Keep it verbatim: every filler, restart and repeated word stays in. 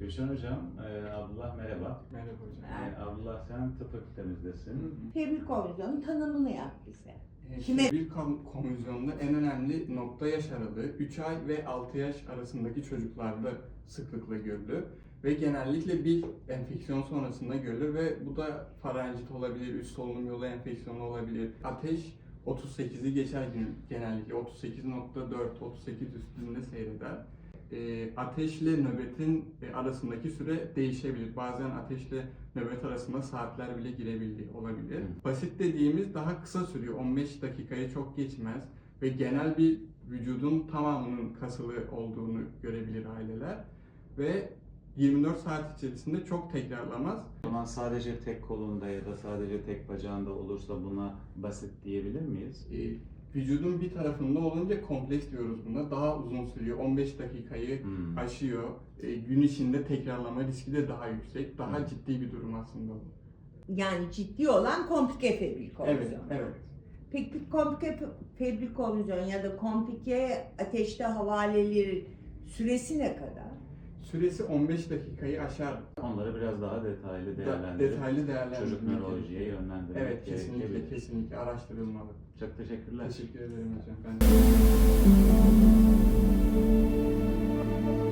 Gülşen Hocam, e, Abdullah merhaba. Merhaba hocam. E, Abdullah sen tıp fakültemizdesin. Febrik konvizyonun tanımını yap bize. E, Kime- Bir konvizyonda en önemli nokta yaş aralığı üç ay ve altı yaş arasındaki çocuklarda sıklıkla görülür. Ve genellikle bir enfeksiyon sonrasında görülür ve bu da farenjit olabilir, üst solunum yolu enfeksiyonu olabilir. Ateş otuz sekizi geçer gün genellikle otuz sekiz nokta dört otuz sekiz üstünde seyreder. E, ateşle nöbetin e, arasındaki süre değişebilir. Bazen ateşle nöbet arasında saatler bile girebildiği olabilir. Hı. Basit dediğimiz daha kısa sürüyor. on beş dakikayı çok geçmez ve genel bir vücudun tamamının kasılı olduğunu görebilir aileler ve yirmi dört saat içerisinde çok tekrarlamaz. O zaman sadece tek kolunda ya da sadece tek bacağında olursa buna basit diyebilir miyiz? E, vücudun bir tarafında olunca kompleks diyoruz buna. Daha uzun sürüyor. on beş dakikayı Hmm. aşıyor. E, gün içinde tekrarlama riski de daha yüksek. Daha Hmm. ciddi bir durum aslında bu. Yani ciddi olan komplike febrik konvizyon. Evet, evet. Peki komplike febrik konvizyon ya da komplike ateşte havaleleri süresi ne kadar? Süresi on beş dakikayı aşar. Onları biraz daha detaylı Da- değerlendirip detaylı değerlendirmek çocuk nörolojiye gerekiyor. yönlendirmek Evet, kesinlikle gerekebilir. kesinlikle araştırılmalı. Çok teşekkürler. Teşekkür ederim hocam. Ben de.